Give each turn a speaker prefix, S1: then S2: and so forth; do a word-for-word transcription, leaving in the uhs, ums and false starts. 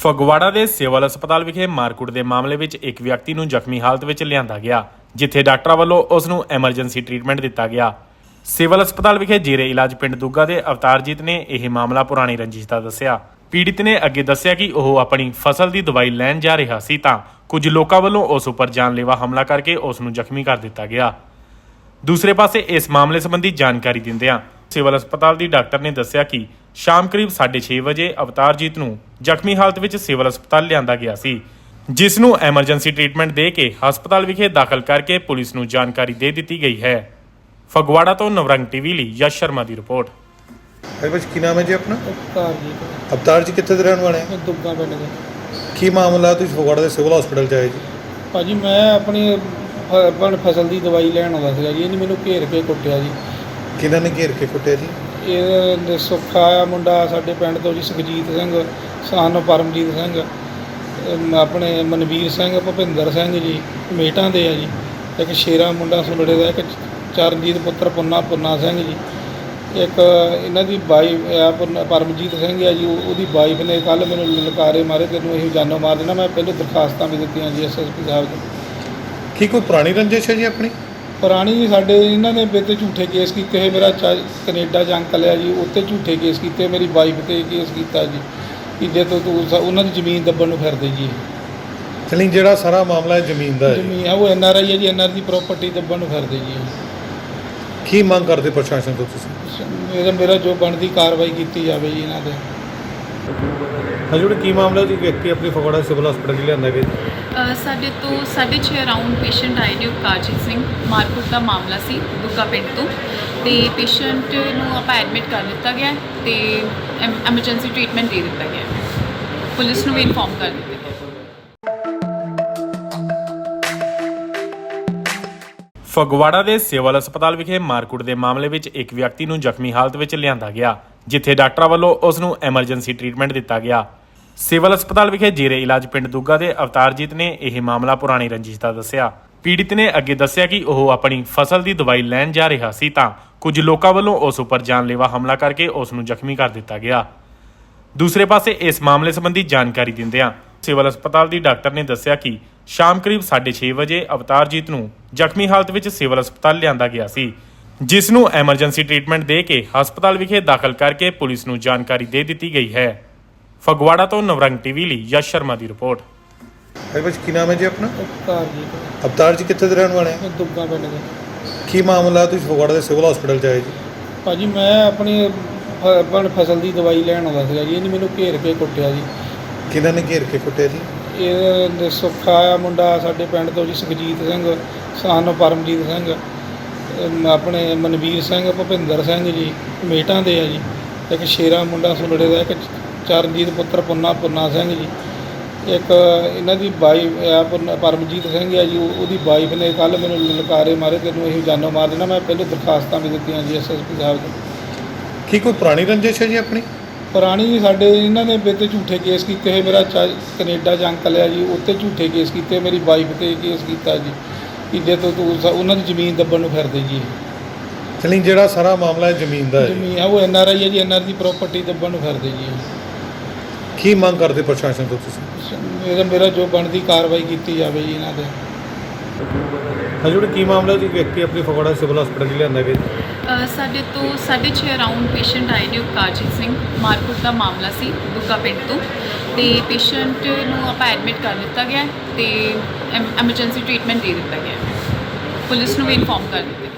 S1: ਫਗਵਾੜਾ ਦੇ ਸਿਵਲ ਹਸਪਤਾਲ ਵਿਖੇ ਮਾਰਕੁੱਟ ਦੇ ਮਾਮਲੇ ਵਿੱਚ ਇੱਕ ਵਿਅਕਤੀ ਨੂੰ ਜ਼ਖਮੀ ਹਾਲਤ ਵਿੱਚ ਲਿਆਂਦਾ ਗਿਆ, ਜਿੱਥੇ ਡਾਕਟਰਾਂ ਵੱਲੋਂ ਉਸ ਨੂੰ ਐਮਰਜੈਂਸੀ ਟ੍ਰੀਟਮੈਂਟ ਦਿੱਤਾ ਗਿਆ। ਸਿਵਲ ਹਸਪਤਾਲ ਵਿਖੇ ਜੇਰੇ ਇਲਾਜ ਪਿੰਡ ਦੁੱਗਾ ਦੇ ਅਵਤਾਰਜੀਤ ਨੇ ਇਹ ਮਾਮਲਾ ਪੁਰਾਣੀ ਰੰਜਿਸ਼ ਦਾ ਦੱਸਿਆ। ਪੀੜਿਤ ਨੇ ਅੱਗੇ ਦੱਸਿਆ ਕਿ ਉਹ ਆਪਣੀ ਫਸਲ ਦੀ ਦਵਾਈ ਲੈਣ ਜਾ ਰਿਹਾ ਸੀ ਤਾਂ ਕੁਝ ਲੋਕਾਂ ਵੱਲੋਂ ਉਸ ਉੱਪਰ ਜਾਨਲੇਵਾ ਹਮਲਾ ਕਰਕੇ ਉਸ ਨੂੰ ਜ਼ਖਮੀ ਕਰ ਦਿੱਤਾ ਗਿਆ। ਦੂਸਰੇ ਪਾਸੇ ਇਸ ਮਾਮਲੇ ਸੰਬੰਧੀ ਜਾਣਕਾਰੀ ਦਿੰਦਿਆਂ ਸਿਵਲ ਹਸਪਤਾਲ ਦੀ ਡਾਕਟਰ ਨੇ ਦੱਸਿਆ ਕਿ ਸ਼ਾਮ ਕਰੀਬ ਸਾਢੇ ਛੇ ਵਜੇ ਅਵਤਾਰਜੀਤ ਨੂੰ ਜ਼ਖਮੀ ਹਾਲਤ ਵਿੱਚ ਸਿਵਲ ਹਸਪਤਾਲ ਲਿਆਂਦਾ ਗਿਆ ਸੀ, ਜਿਸ ਨੂੰ ਐਮਰਜੈਂਸੀ ਟ੍ਰੀਟਮੈਂਟ ਦੇ ਕੇ ਹਸਪਤਾਲ ਵਿਖੇ ਦਾਖਲ ਕਰਕੇ ਪੁਲਿਸ ਨੂੰ ਜਾਣਕਾਰੀ ਦੇ ਦਿੱਤੀ ਗਈ ਹੈ। ਫਗਵਾੜਾ ਤੋਂ ਨਵਰੰਗ ਟੀਵੀ ਲਈ ਯਸ਼ ਸ਼ਰਮਾ ਦੀ ਰਿਪੋਰਟ।
S2: भाई बस की नाम है जी अपना?
S3: अवतार जी
S2: अवतार जी कितने रहने वाले हैं?
S3: दुग्गा पिंड दे।
S2: की मामला तुम फगवाड़ा ਦੇ ਸਿਵਲ ਹਸਪੀਟਲ ਚ ਆਏ ਜੀ?
S3: ਭਾਜੀ ਮੈਂ ਆਪਣੀ ਆਪਣ ਫਸਲ ਦੀ ਦਵਾਈ ਲੈਣ ਆਉਂਦਾ ਸੀਗਾ ਜੀ, ਇਹਨੇ ਮੈਨੂੰ ਘੇਰ ਕੇ ਕੁੱਟਿਆ ਜੀ।
S2: ਕਿਹਨਾਂ ਨੇ ਘੇਰ ਕੇ ਕੁੱਟਿਆ ਜੀ?
S3: ਇਹ ਸੁੱਖਾ ਆ ਮੁੰਡਾ ਸਾਡੇ ਪਿੰਡ ਤੋਂ ਜੀ, ਸੁਖਜੀਤ ਸਿੰਘ ਸਾਨੋ ਪਰਮਜੀਤ ਸਿੰਘ, ਅਮ ਆਪਣੇ ਮਨਵੀਰ ਸਿੰਘ, ਭੁਪਿੰਦਰ ਸਿੰਘ ਜੀ ਮੇਟਾਂ ਦੇ ਆ ਜੀ, ਇੱਕ ਸ਼ੇਰਾ ਮੁੰਡਾ ਸੁਲੜੇ ਦਾ, ਇੱਕ ਚਰਨਜੀਤ ਪੁੱਤਰ ਪੁੰਨਾ ਪੁੰਨਾ ਸਿੰਘ ਜੀ, ਇੱਕ ਇਹਨਾਂ ਦੀ ਵਾਈਫ ਆ ਪਰਮਜੀਤ ਸਿੰਘ ਆ ਜੀ, ਉਹਦੀ ਵਾਈਫ ਨੇ ਕੱਲ੍ਹ ਮੈਨੂੰ ਲਲਕਾਰੇ ਮਾਰੇ, ਤੈਨੂੰ ਇਹ ਜਾਨੋਂ ਮਾਰ ਦੇਣਾ। ਮੈਂ ਪਹਿਲੇ ਦਰਖਾਸਤਾਂ ਵੀ ਦਿੱਤੀਆਂ ਜੀ ਐਸ ਐਸ ਪੀ ਸਾਹਿਬ ਨੂੰ।
S2: ਕੀ ਕੋਈ ਪੁਰਾਣੀ ਰੰਜਿਸ਼ ਹੈ ਜੀ ਆਪਣੀ?
S3: ਪੁਰਾਣੀ ਸਾਡੇ ਇਹਨਾਂ ਨੇ ਮੇਰੇ 'ਤੇ ਝੂਠੇ ਕੇਸ ਕੀਤੇ ਹੋਏ। ਮੇਰਾ ਚਾ ਕੈਨੇਡਾ 'ਚ ਅੰਕਲ ਆ ਜੀ, ਉੱਤੇ ਝੂਠੇ ਕੇਸ ਕੀਤੇ, ਮੇਰੀ ਵਾਈਫ 'ਤੇ ਕੇਸ ਕੀਤਾ ਜੀ ਕਿ ਜੇ ਤੋਂ ਤੂੰ ਉਹਨਾਂ ਦੀ ਜ਼ਮੀਨ ਦੱਬਣ ਨੂੰ ਫਿਰਦੇ ਜੀ।
S2: ਚਲੀ ਜਿਹੜਾ ਸਾਰਾ ਮਾਮਲਾ ਹੈ ਜ਼ਮੀਨ ਦਾ ਹੈ?
S3: ਜ਼ਮੀਨ ਆ, ਉਹ ਐਨ ਆਰ ਆਈ ਹੈ ਜੀ, ਐਨ ਆਰ ਦੀ ਪ੍ਰਾਪਰਟੀ ਦੱਬਣ ਨੂੰ ਫਿਰਦੇ ਜੀ।
S2: ਕੀ ਮੰਗ ਕਰਦੇ ਪ੍ਰਸ਼ਾਸਨ ਤੋਂ ਤੁਸੀਂ?
S3: ਮੇਰਾ ਮੇਰਾ ਜੋ ਬਣਦੀ ਕਾਰਵਾਈ ਕੀਤੀ ਜਾਵੇ ਜੀ ਇਹਨਾਂ 'ਤੇ।
S2: ਹਜੂੜ ਕੀ ਮਾਮਲਾ ਜੀ? ਵਿਅਕਤੀ ਆਪਣੀ ਫਗਵਾੜਾ ਸਿਵਲ ਹਸਪੀਟਲ ਚ ਲਿਆਂਦਾ ਗਿਆ।
S4: ਸਾਡੇ ਤੋਂ ਸਾਢੇ ਛੇ ਅਰਾਊਂਡ ਪੇਸ਼ੈਂਟ ਆਏ ਨੇ, ਅਵਤਾਰਜੀਤ ਸਿੰਘ, ਮਾਰਕੁੱਟ ਦਾ ਮਾਮਲਾ ਸੀ ਦੁੱਗਾ ਪਿੰਡ ਤੋਂ, ਤੇ ਪੇਸ਼ੈਂਟ ਨੂੰ ਆਪਾਂ ਐਡਮਿਟ ਕਰ ਦਿੱਤਾ ਗਿਆ ਤੇ ਐਮਰਜੈਂਸੀ ਟ੍ਰੀਟਮੈਂਟ ਦੇ ਦਿੱਤਾ ਗਿਆ। ਪੁਲਿਸ ਨੂੰ ਵੀ ਇਨਫੋਰਮ ਕਰ ਦਿੱਤਾ ਗਿਆ।
S1: ਫਗਵਾੜਾ ਦੇ ਸਿਵਲ ਹਸਪਤਾਲ ਵਿਖੇ ਮਾਰਕੁੱਟ ਦੇ ਮਾਮਲੇ ਵਿੱਚ ਇੱਕ ਵਿਅਕਤੀ ਨੂੰ ਜ਼ਖਮੀ ਹਾਲਤ ਵਿੱਚ ਲਿਆਂਦਾ ਗਿਆ, ਜਿੱਥੇ ਡਾਕਟਰਾਂ ਵੱਲੋਂ ਉਸ ਨੂੰ ਐਮਰਜੈਂਸੀ ਟ੍ਰੀਟਮੈਂਟ ਦਿੱਤਾ ਗਿਆ। ਸਿਵਲ ਹਸਪਤਾਲ ਵਿਖੇ ਜੇਰੇ ਇਲਾਜ ਪਿੰਡ ਦੁੱਗਾ ਦੇ ਅਵਤਾਰਜੀਤ ਨੇ ਇਹ ਮਾਮਲਾ ਪੁਰਾਣੀ ਰੰਜਿਸ਼ ਦਾ ਦੱਸਿਆ। ਪੀੜਿਤ ਨੇ ਅੱਗੇ ਦੱਸਿਆ ਕਿ ਉਹ ਆਪਣੀ ਫਸਲ ਦੀ ਦਵਾਈ ਲੈਣ ਜਾ ਰਿਹਾ ਸੀ ਤਾਂ ਕੁਝ ਲੋਕਾਂ ਵੱਲੋਂ ਉਸ ਉੱਪਰ ਜਾਨਲੇਵਾ ਹਮਲਾ ਕਰਕੇ ਉਸ ਨੂੰ ਜ਼ਖਮੀ ਕਰ ਦਿੱਤਾ ਗਿਆ। ਦੂਸਰੇ ਪਾਸੇ ਇਸ ਮਾਮਲੇ ਸੰਬੰਧੀ ਜਾਣਕਾਰੀ ਦਿੰਦਿਆਂ ਸਿਵਲ ਹਸਪਤਾਲ ਦੀ ਡਾਕਟਰ ਨੇ ਦੱਸਿਆ ਕਿ ਸ਼ਾਮ ਕਰੀਬ ਸਾਢੇ ਛੇ ਵਜੇ ਅਵਤਾਰਜੀਤ ਨੂੰ ਜ਼ਖਮੀ ਹਾਲਤ ਵਿੱਚ ਸਿਵਲ ਹਸਪਤਾਲ ਲਿਆਂਦਾ ਗਿਆ ਸੀ, ਜਿਸ ਨੂੰ ਐਮਰਜੈਂਸੀ ਟ੍ਰੀਟਮੈਂਟ ਦੇ ਕੇ ਹਸਪਤਾਲ ਵਿਖੇ ਦਾਖਲ ਕਰਕੇ ਪੁਲਿਸ ਨੂੰ ਜਾਣਕਾਰੀ ਦੇ ਦਿੱਤੀ ਗਈ ਹੈ। ਫਗਵਾੜਾ ਤੋਂ ਨਵਰੰਗ ਟੀਵੀ ਲਈ ਯਸ਼ ਸ਼ਰਮਾ ਦੀ ਰਿਪੋਰਟ।
S2: ਭਾਈ ਬਸ ਕੀ ਨਾਮ ਹੈ ਜੀ ਆਪਣਾ?
S3: ਅਵਤਾਰ ਜੀ
S2: ਅਵਤਾਰ ਜੀ ਕਿੱਥੇ ਦੇ ਰਹਿਣ ਵਾਲੇ हैं?
S3: ਦੁੱਗਾ ਪਿੰਡ ਦੇ।
S2: ਕੀ ਮਾਮਲਾ ਤੁਸੀਂ ਫਗਵਾੜਾ ਦੇ ਸਿਵਲ ਹਸਪੀਟਲ ਚ ਆਏ ਜੀ?
S3: ਭਾਜੀ ਮੈਂ ਆਪਣੀ ਆਪਣ ਫਸਲ ਦੀ ਦਵਾਈ ਲੈਣ ਆਉਂਦਾ ਸੀਗਾ ਜੀ, ਇਹਨੇ ਮੈਨੂੰ ਘੇਰ ਕੇ ਕੁੱਟਿਆ ਜੀ।
S2: ਕਿਹਨਾਂ ਨੇ ਘੇਰ ਕੇ ਕੁੱਟਿਆ ਜੀ?
S3: ਇਹ ਸੁੱਖਾ ਆ ਮੁੰਡਾ ਸਾਡੇ ਪਿੰਡ ਤੋਂ ਜੀ, ਸੁਖਜੀਤ ਸਿੰਘ ਸਾਨੋ ਪਰਮਜੀਤ ਸਿੰਘ, ਅਮ ਆਪਣੇ ਮਨਵੀਰ ਸਿੰਘ, ਭੁਪਿੰਦਰ ਸਿੰਘ ਜੀ ਮੇਟਾਂ ਦੇ ਆ ਜੀ, ਇੱਕ ਸ਼ੇਰਾ ਮੁੰਡਾ ਸੁਲੜੇ ਦਾ, ਇੱਕ ਚਰਨਜੀਤ ਪੁੱਤਰ ਪੁੰਨਾ ਪੁੰਨਾ ਸਿੰਘ ਜੀ, ਇੱਕ ਇਹਨਾਂ ਦੀ ਵਾਈਫ ਆ ਪਰਮਜੀਤ ਸਿੰਘ ਆ ਜੀ, ਉਹਦੀ ਵਾਈਫ ਨੇ ਕੱਲ੍ਹ ਮੈਨੂੰ ਲਲਕਾਰੇ ਮਾਰੇ, ਤੈਨੂੰ ਇਹ ਜਾਨੋਂ ਮਾਰ ਦੇਣਾ। ਮੈਂ ਪਹਿਲੇ ਦਰਖਾਸਤਾਂ ਵੀ ਦਿੱਤੀਆਂ ਜੀ ਐਸ ਐਸ ਪੀ ਸਾਹਿਬ ਨੂੰ।
S2: ਕੀ ਕੋਈ ਪੁਰਾਣੀ ਰੰਜਿਸ਼ ਹੈ ਜੀ ਆਪਣੀ?
S3: ਪੁਰਾਣੀ ਸਾਡੇ ਇਹਨਾਂ ਨੇ ਮੇਰੇ 'ਤੇ ਝੂਠੇ ਕੇਸ ਕੀਤੇ ਹੋਏ। ਮੇਰਾ ਚਾ ਕੈਨੇਡਾ 'ਚ ਅੰਕਲ ਆ ਜੀ, ਉੱਤੇ ਝੂਠੇ ਕੇਸ ਕੀਤੇ, ਮੇਰੀ ਵਾਈਫ 'ਤੇ ਕੇਸ ਕੀਤਾ ਜੀ ਕਿ ਜੇ ਤੋਂ ਤੂੰ ਉਹਨਾਂ ਦੀ ਜ਼ਮੀਨ ਦੱਬਣ ਨੂੰ ਫਿਰਦੇ ਜੀ।
S2: ਚਲੀ ਜਿਹੜਾ ਸਾਰਾ ਮਾਮਲਾ ਹੈ ਜ਼ਮੀਨ ਦਾ ਹੈ?
S3: ਜ਼ਮੀਨ ਆ, ਉਹ ਐਨ ਆਰ ਆਈ ਹੈ ਜੀ, ਐਨ ਆਰ ਦੀ ਪ੍ਰਾਪਰਟੀ ਦੱਬਣ ਨੂੰ ਫਿਰਦੇ ਜੀ।
S2: ਕੀ ਮੰਗ ਕਰਦੇ ਪ੍ਰਸ਼ਾਸਨ ਤੋਂ ਤੁਸੀਂ?
S3: ਮੇਰਾ ਮੇਰਾ ਜੋ ਬਣਦੀ ਕਾਰਵਾਈ ਕੀਤੀ ਜਾਵੇ ਜੀ ਇਹਨਾਂ 'ਤੇ।
S2: ਹਜੂੜ ਕੀ ਮਾਮਲਾ ਜੀ? ਵਿਅਕਤੀ ਆਪਣੀ ਫਗਵਾੜਾ ਸਿਵਲ ਹਸਪੀਟਲ ਚ ਲਿਆਂਦਾ ਗਿਆ।
S4: ਸਾਡੇ ਤੋਂ ਸਾਢੇ ਛੇ ਅਰਾਊਂਡ ਪੇਸ਼ੈਂਟ ਆਏ ਨੇ, ਅਵਤਾਰਜੀਤ ਸਿੰਘ, ਮਾਰਕੁੱਟ ਦਾ ਮਾਮਲਾ ਸੀ ਦੁੱਗਾ ਪਿੰਡ ਤੋਂ, ਤੇ ਪੇਸ਼ੈਂਟ ਨੂੰ ਆਪਾਂ ਐਡਮਿਟ ਕਰ ਦਿੱਤਾ ਗਿਆ ਤੇ ਐਮਰਜੈਂਸੀ ਟ੍ਰੀਟਮੈਂਟ ਦੇ ਦਿੱਤਾ ਗਿਆ। ਪੁਲਿਸ ਨੂੰ ਵੀ ਇਨਫੋਰਮ ਕਰ ਦਿੱਤਾ ਗਿਆ।